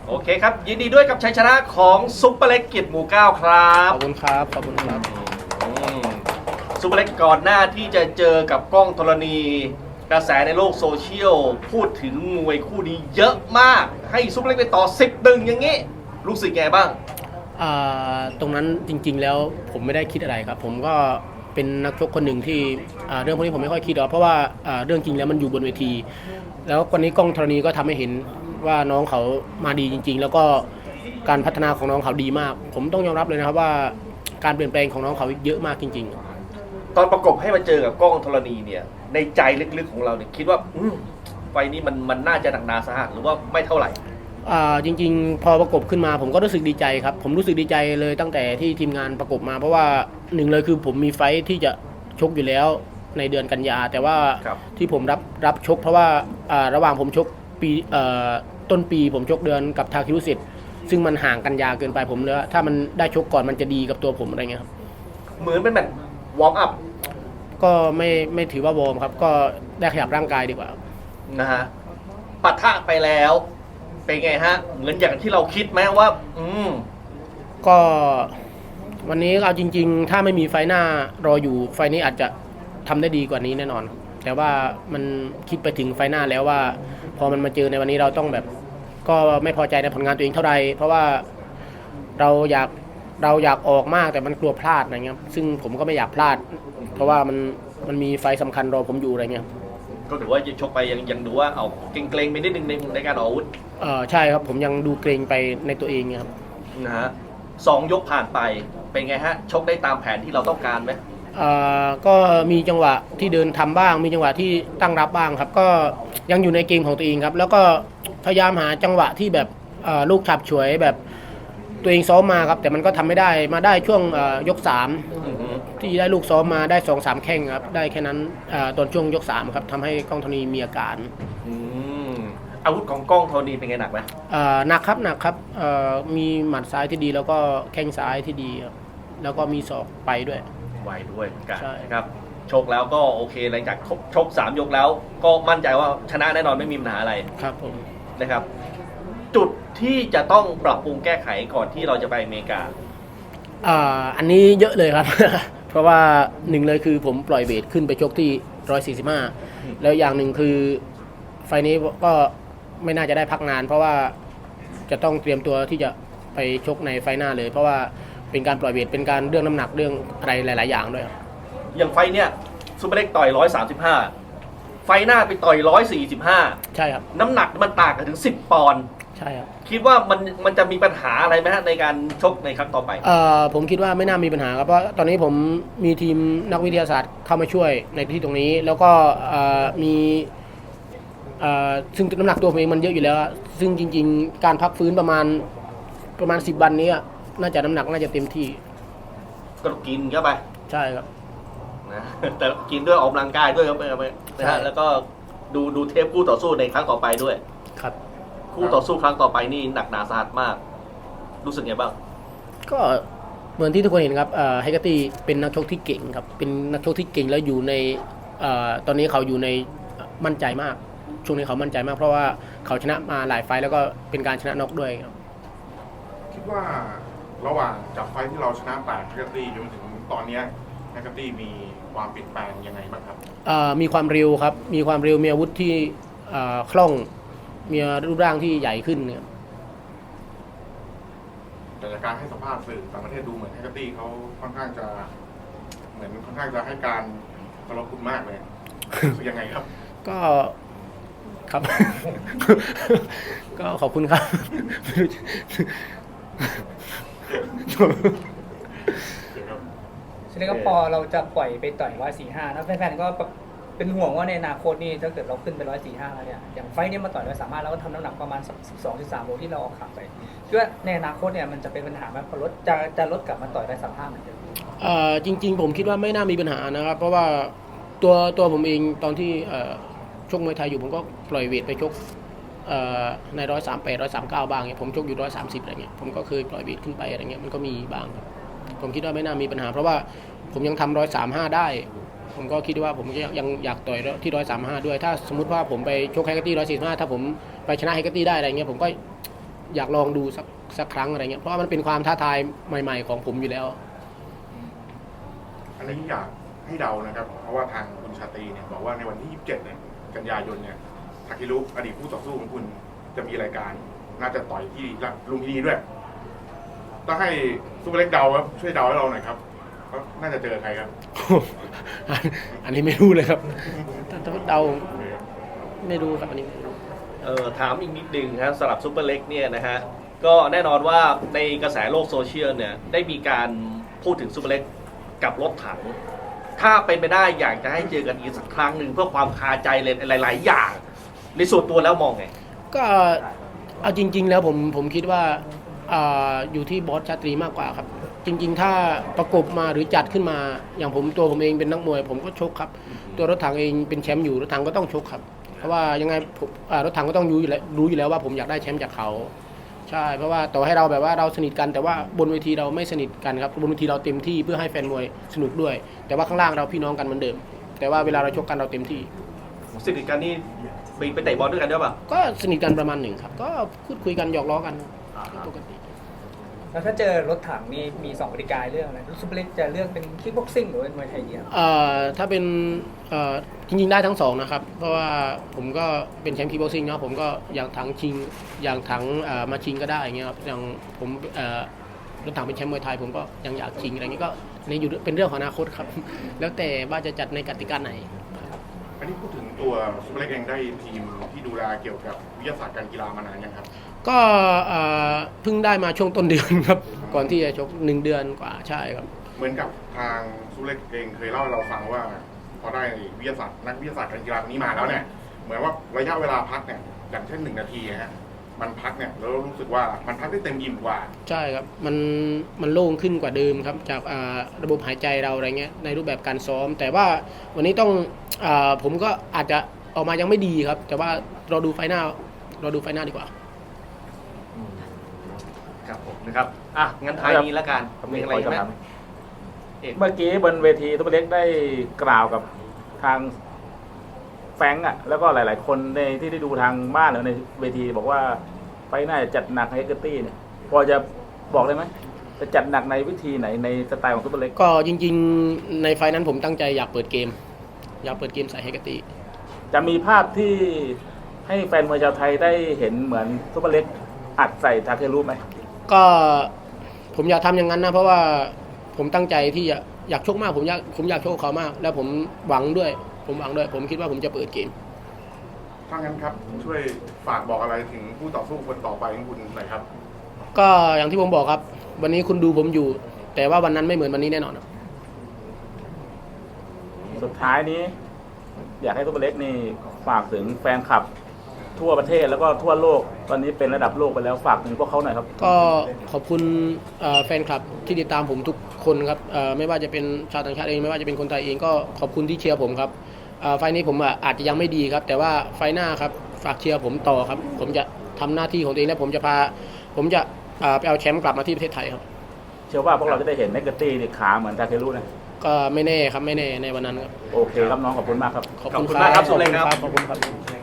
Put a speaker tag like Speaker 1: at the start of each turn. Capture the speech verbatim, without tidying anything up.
Speaker 1: โอเคครับยินดีด้วยกับชัยชนะของซุปเปอร์เล็กเกียรติหมู่เก้าครับ
Speaker 2: ขอบคุณครับขอบคุณครับ
Speaker 1: อืมซุปเปอร์เล็กก่อนหน้าที่จะเจอกับกล้องธรณีกระแสในโลกโซเชียลพูดถึงมวยคู่นี้เยอะมากให้ซุปเปอร์เล็กไปต่อสิบดึงอย่างนี้รู้สึกไงบ้าง
Speaker 2: อ่าตรงนั้นจริงๆแล้วผมไม่ได้คิดอะไรครับผมก็เป็นนักชกคนหนึ่งที่อ่าเรื่องพวกนี้ผมไม่ค่อยคิดหรอกเพราะว่าอ่าเรื่องจริงแล้วมันอยู่บนเวทีแล้ววันนี้กล้องธรณีก็ทำให้เห็นว่าน้องเขามาดีจริงๆแล้วก็การพัฒนาของน้องเขาดีมากผมต้องยอมรับเลยนะครับว่าการเปลี่ยนแปลงของน้องเขาเยอะมากจริง
Speaker 1: ๆตอนประกบให้มาเจอกับกล้องธรณีเนี่ยในใจลึกๆของเราเนี่ยคิดว่าอืมไฟนี้มันมันน่าจะหนักหนาสาหัสหรือว่าไม่เท่าไหร่
Speaker 2: อ่าจริงๆพอประกบขึ้นมาผมก็รู้สึกดีใจครับผมรู้สึกดีใจเลยตั้งแต่ที่ทีมงานประกบมาเพราะว่าหนึ่งเลยคือผมมีไฟท์ที่จะชกอยู่แล้วในเดือนกันยาแต่ว่าที่ผมรับรับชกเพราะว่าอ่าระหว่างผมชกปีเอ่อต้นปีผมชกเดือนกับทาคิรุสิทธิ์ซึ่งมันห่างกันยาเกินไปผมเลยถ้ามันได้ชกก่อนมันจะดีกับตัวผมอะไรเงี้ยครับ
Speaker 1: เหมือนเป็นแบบวอร์มอัพ
Speaker 2: ก็ไม่ไม่ถือว่าวอร์มครับก็ได้ขยับร่างกายดีกว่า
Speaker 1: นะฮะปะทะไปแล้วเป็นไงฮะเหมือนอย่างที่เราคิดไหมว่าอืม
Speaker 2: ก็วันนี้เอาจริงๆถ้าไม่มีไฟหน้ารออยู่ไฟนี้อาจจะทำได้ดีกว่านี้แน่นอนแต่ว่ามันคิดไปถึงไฟหน้าแล้วว่าพอมันมาเจอในวันนี้เราต้องแบบก็ไม่พอใจในผลงานตัวเองเท่าไหร่เพราะว่าเราอยากเราอยากออกมากแต่มันกลัวพลาดอะไรเงี้ยซึ่งผมก็ไม่อยากพลาดเพราะว่ามันมันมีไฟสำคัญรอผมอยู่อะไรเงี้ย
Speaker 1: ก็ถือว่าชกไปยังยังดูว่าเอาเกรงๆไปนิดนึงในในการออกอาวุธ
Speaker 2: เออใช่ครับผมยังดูเกรงไปในตัวเองครับ
Speaker 1: นะฮะสองยกผ่านไปเป็นไงฮะชกได้ตามแผนที่เราต้องการไหม
Speaker 2: เอ่อก็มีจังหวะที่เดินทำบ้างมีจังหวะที่ตั้งรับบ้างครับก็ยังอยู่ในเกมของตัวเองครับแล้วก็พยายามหาจังหวะที่แบบลูกฉับฉวยแบบตัวเองซ้อมมาครับแต่มันก็ทำไม่ได้มาได้ช่วงยกสามที่ได้ลูกซ้อมมาได้สองสามแข้งครับได้แค่นั้นตอนช่วงยกสามครับทำให้กล้องธรณีมีอาการ
Speaker 1: อาวุธของกล้องธรณีเป็นไงหนักไหม
Speaker 2: หนักครับหนักครับมีหมัดซ้ายที่ดีแล้วก็แข้งซ้ายที่ดีครับแล้วก็มีศอกไปด้วย
Speaker 1: ไวด้วยเหมือนกันนะครับชกแล้วก็โอเคหลังจากชกสามยกแล้วก็มั่นใจว่าชนะแน่นอนไม่มีปัญหาอะไร
Speaker 2: ครับผม
Speaker 1: นะครับจุดที่จะต้องปรับปรุงแก้ไขก่อนที่เราจะไปอเมริกา
Speaker 2: อ่าอันนี้เยอะเลยครับ เพราะว่าหนึ่งเลยคือผมปล่อยเวทขึ้นไปชกที่หนึ่งร้อยสี่สิบห้าแล้วอย่างหนึ่งคือไฟนี้ก็ไม่น่าจะได้พักนานเพราะว่าจะต้องเตรียมตัวที่จะไปชกในไฟหน้าเลยเพราะว่าเป็นการปล่อยเวทเป็นการเรื่องน้ำหนักเรื่องอะไรหลายๆอย่างด้วย
Speaker 1: อย่างไฟเนี่ยซุปเปอร์เล็กต่อยหนึ่งร้อยสามสิบห้าไฟหน้าไปต่อยหนึ่งร้อยสี่สิบห้า
Speaker 2: ใช่ครับ
Speaker 1: น้ำหนักมันต่างกันถึงสิบปอนด์
Speaker 2: ใช่ครับ
Speaker 1: คิดว่ามันมันจะมีปัญหาอะไรไหมฮะในการชกในครั้งต่อไป
Speaker 2: เอ่อผมคิดว่าไม่น่ามีปัญหาครับเพราะตอนนี้ผมมีทีมนักวิทยาศาสตร์เข้ามาช่วยในที่ตรงนี้แล้วก็มีซึ่งน้ำหนักตัวผมเองมันเยอะอยู่แล้วซึ่งจริงๆการพักฟื้นประมาณประมาณสิบวันนี้น่าจะน้ำหนักน่าจะเต็มที่
Speaker 1: ก็กินเข้าไป
Speaker 2: ใช่ครับ
Speaker 1: นะแต่กินด้วยออกกำลังกายด้วยครับนะฮะแล้วก็ดูดูเทปคู่ต่อสู้ในครั้งต่อไปด้วย
Speaker 2: ครับ
Speaker 1: คู่ต่อสู้ครั้งต่อไปนี่หนักหนาสาหัสมากรู้สึกไงบ้าง
Speaker 2: ก็เหมือนที่ทุกคนเห็นครับไฮกาตี้เป็นนักชกที่เก่งครับเป็นนักชกที่เก่งแล้วอยู่ในตอนนี้เขาอยู่ในมั่นใจมากช่วงนี้เขามั่นใจมากเพราะว่าเขาชนะมาหลายไฟแล้วก็เป็นการชนะน็อกด้วยครับ
Speaker 3: คิดว่าระหว่างจากไฟที่เราชนะแปดไฮกาตี้จนถึงตอนนี้ไฮกาตี้มีความเปลี่ยนแปลงยังไงบ้างครับ
Speaker 2: มีความเร็วครับมีความเร็วมีอาวุธที่คล่องมีรูปร่างที่ใหญ่ขึ้นเนี่ย
Speaker 3: แต่จากการให้สัมภาษณ์สื่อต่างประเทศดูเหมือนไฮกาตี้เขาค่อนข้างจะเหมือนค่อนข้างจะให้การเคารพคุณมากเลยยังไงครับ
Speaker 2: ก็ครับ ก็ขอบคุณครับ
Speaker 4: ฉะนั้นก็พอเราจะปล่อยไปต่อยร้อยสี่ห้าแล้วแฟนๆก็เป็นห่วงว่าในอนาคตนี่ถ้าเกิดเราขึ้นไปร้อยสี่ห้าแล้วเนี่ยอย่างไฟนี้มาต่อยร้อยสามห้าแล้วก็ทำน้ำหนักประมาณสิบสองสิบสามโลที่เราออกขาไปคิดว่าในอนาคตเนี่ยมันจะเป็นปัญหาไหมพอลดจะจะลดกลับมาต่อยร้อยสามห้าเหมือนเดิม
Speaker 2: เอ่อจริงๆผมคิดว่าไม่น่ามีปัญหานะครับเพราะว่าตัวตัวผมเองตอนที่ชกมวยไทยอยู่ผมก็ปล่อยเวทไปชกในร้อยสามแปดร้อยสามเก้าบ้างเนี่ยผมชกอยู่ร้อยสามสิบอะไรเงี้ยผมก็เคยปล่อยเวทขึ้นไปอะไรเงี้ยมันก็มีบ้างครับผมคิดว่าไม่น่ามีปัญหาเพราะว่าผมยังทำร้อยสามห้าได้ผมก็คิดว่าผมยังอยากต่อยที่ร้อยสามห้าด้วยถ้าสมมติว่าผมไปชกไฮกาตี้ร้อยสี่สิบห้าถ้าผมไปชนะไฮกาตี้ได้อะไรเงี้ยผมก็อยากลองดูสักสักครั้งอะไรเงี้ยเพราะว่ามันเป็นความท้าทายใหม่ ๆ ของผมอยู่แล้ว
Speaker 3: อันนี้อยากให้เดานะครับ เพราะว่าทางคุณชาตรีเนี่ยบอกว่าในวันที่ยี่สิบเจ็ดเนี่ยกันยายนเนี่ยทาคิรุอดีตคู่ต่อสู้ของคุณจะมีรายการน่าจะต่อยที่ลุมพินีด้วยต้องให้ซูเปอร์เล็กเดาครับช่วยเดาให้เราหน่อยครับว่าน่าจะเจอใครครับ
Speaker 2: อันนี้ไม่รู้เลยครับถ้าถ้าเดาไม่รู้ครับอันนี้ไม่รู้
Speaker 1: เออถามอีกนิดนึงครับสำหรับซุปเปอร์เล็กเนี่ยนะฮะก็แน่นอนว่าในกระแสโลกโซเชียลเนี่ยได้มีการพูดถึงซุปเปอร์เล็กกับรถถัง ถ้าเป็นไปได้อยากจะให้เจอกันอีกสักครั้งหนึ่งเพื่อความคาใจเลยหลาย ๆ อย่าง ในส่วนตัวแล้วมองไง
Speaker 2: ก็เอาจริง ๆ แล้วผมผมคิดว่าอ่าอยู่ที่บอสชาตรีมากกว่าครับ จริง ๆ ถ้าประกบมาหรือจัดขึ้นมาอย่างผมตัวผมเองเป็นนักมวย ผมก็ชกครับ ตัวรถถังเองเป็นแชมป์อยู่รถถังก็ต้องชกครับ เพราะว่ายังไงผมอ่ารถถังก็ต้องรู้อยู่แล้วรู้อยู่แล้วว่าผมอยากได้แชมป์จากเขาใช่เพราะว่าต่อให้เราแบบว่าเราสนิทกันแต่ว่าบนเวทีเราไม่สนิทกันครับบนเวทีเราเต็มที่เพื่อให้แฟนมวยสนุกด้วย แต่ว่าข้างล่างเราพี่น้องกันเหมือนเดิม แต่ว่าเวลาเราชกกันเราเต็มที่
Speaker 1: สนิทกันนี่ไปไปเตะบอลด้วยกันด้วยป่ะ
Speaker 2: ก็สนิทกันประมาณหนึ่งครับ ก็พูดคุยกันหยอกล้อกันปกติ
Speaker 4: แล้วถ้าเจอรถถังนี่มีสองกติกาเรื่องอะไรซูเปอร์เล็กจะเลือกเป็นคิกบ็อกซิ่งหรือเป็นมวยไทยเดียว
Speaker 2: เอ่อถ้าเป็นเอ่อจริงๆได้ทั้งสองนะครับ เพราะว่าผมก็เป็นแชมป์คีบ็อกซิ่งเนาะผมก็อย่างถังชิงอย่างถังเอ่อมาชิงก็ได้อย่างเงี้ยครับอย่างผมเอ่อรถถังเป็นแชมป์มวยไทยผมก็ยังอยากชิงอะไรเงี้ยก็ในอยู่เป็นเรื่องของอนาคตครับ แล้วแต่ว่าจะจัดในกติกาไหน
Speaker 3: อันนี้พูดถึงตัวซูเปอร์เล็กเองได้ทีมที่ดูแลเกี่ยวกับวิทยาศาสตร์การกีฬามานานยังครับ
Speaker 2: ก็เอ่อเพิ่งได้มาช่วงต้นเดือนครับ ก่อนที่จะชกหนึ่งเดือนกว่าใช่ครับ
Speaker 3: เหมือนกับทางซูเปอร์เล็กเองเคยเล่าให้เราฟังว่า พอได้วิทยาศาสตร์นักวิทยาศาสตร์การกีฬาคนนี้มาแล้วเนี่ยเหมือนว่าระยะเวลาพักเนี่ยอย่างเช่นหนึ่งนาทีนะฮะมันพักเนี่ยแล้วรู้สึกว่ามันพักได้เต็มอิ่มกว่า
Speaker 2: ใช่ครับมันมันโล่งขึ้นกว่าเดิมครับจากอ่าระบบหายใจเราอะไรเงี้ยในรูปแบบการซ้อม แต่ว่าวันนี้ต้องอาผมก็อาจจะออกมายังไม่ดีครับ แต่ว่าเราดูไฟหน้าเราดูไฟหน้าดีกว่า
Speaker 1: ครับผมนะครับอ่ะงั้นท้ายนี้แล้วกันมีอะไรอีกไหมเอก
Speaker 5: เมื่อกี้บนเวทีซุปเปอร์เล็กได้กล่าวกับทางแฟรงก์อ่ะแล้วก็หลาย ๆ คนในที่ได้ดูทางบ้านหรือในเวทีบอกว่าไฟหน้าจะจัดหนักให้เกอร์ตี้เนี่ยพอจะบอกได้ไหมจะจัดหนักในวิธีไหนในสไตล์ของซุปเปอร์เล็ก
Speaker 2: ก็จริงๆในไฟนั้นผมตั้งใจอยากเปิดเกม อยากเปิดเกมใส่ให้กติ
Speaker 5: จะมีภาพที่ให้แฟนมวยชาวไทยได้เห็นเหมือนซุปเปอร์เล็กอัดใส่ทาเครุไหม
Speaker 2: ก็ผมอยากทำอย่างนั้นนะเพราะว่าผมตั้งใจที่จะอยากชกมากผมอยากผมอยากชกเขามาก แล้วผมหวังด้วย ผมหวังด้วย ผมคิดว่าผมจะเปิดเกม
Speaker 3: ถ้างั้นครับช่วยฝากบอกอะไรถึงผู้ต่อสู้คนต่อไปของคุณหน่อยครับ
Speaker 2: ก็อย่างที่ผมบอกครับ วันนี้คุณดูผมอยู่ แต่ว่าวันนั้นไม่เหมือนวันนี้แน่นอนครับ
Speaker 5: สุดท้ายนี้ อยากให้ซุปเปอร์เล็กนี่ฝากถึงแฟนคลับทั่วประเทศแล้วก็ทั่วโลกตอนนี้เป็นระดับโลกไปแล้วฝากถึงพวกเขาหน่อยครับ
Speaker 2: ก็ขอบคุณเอ่อแฟนคลับที่ติดตามผมทุกคนครับเอ่อไม่ว่าจะเป็นชาวต่างชาติเองไม่ว่าจะเป็นคนไทยเองก็ขอบคุณที่เชียร์ผมครับเอ่อไฟล์นี้ผมอ่ะอาจจะยังไม่ดีครับ แต่ว่าไฟล์หน้าครับฝากเชียร์ผมต่อครับ ผมจะทำหน้าที่ของตัวเองและผมจะพาผมจะเอ่อไปเอาแชมป์กลับมาที่ประเทศไทยครับ
Speaker 5: เชื่อว่าพวกเราจะได้เห็นเนกเกอร์ตี้นี่ขาเหมือนทาเครุนะ
Speaker 2: ก็ไม่แน่ครับไม่แน่ในวันนั้นครับ
Speaker 5: โอเคครับน้องขอบคุณมากครับ
Speaker 2: ขอบคุณ
Speaker 1: ขอบคุณมากครับสุเล็กครับ
Speaker 2: ขอบคุณครับ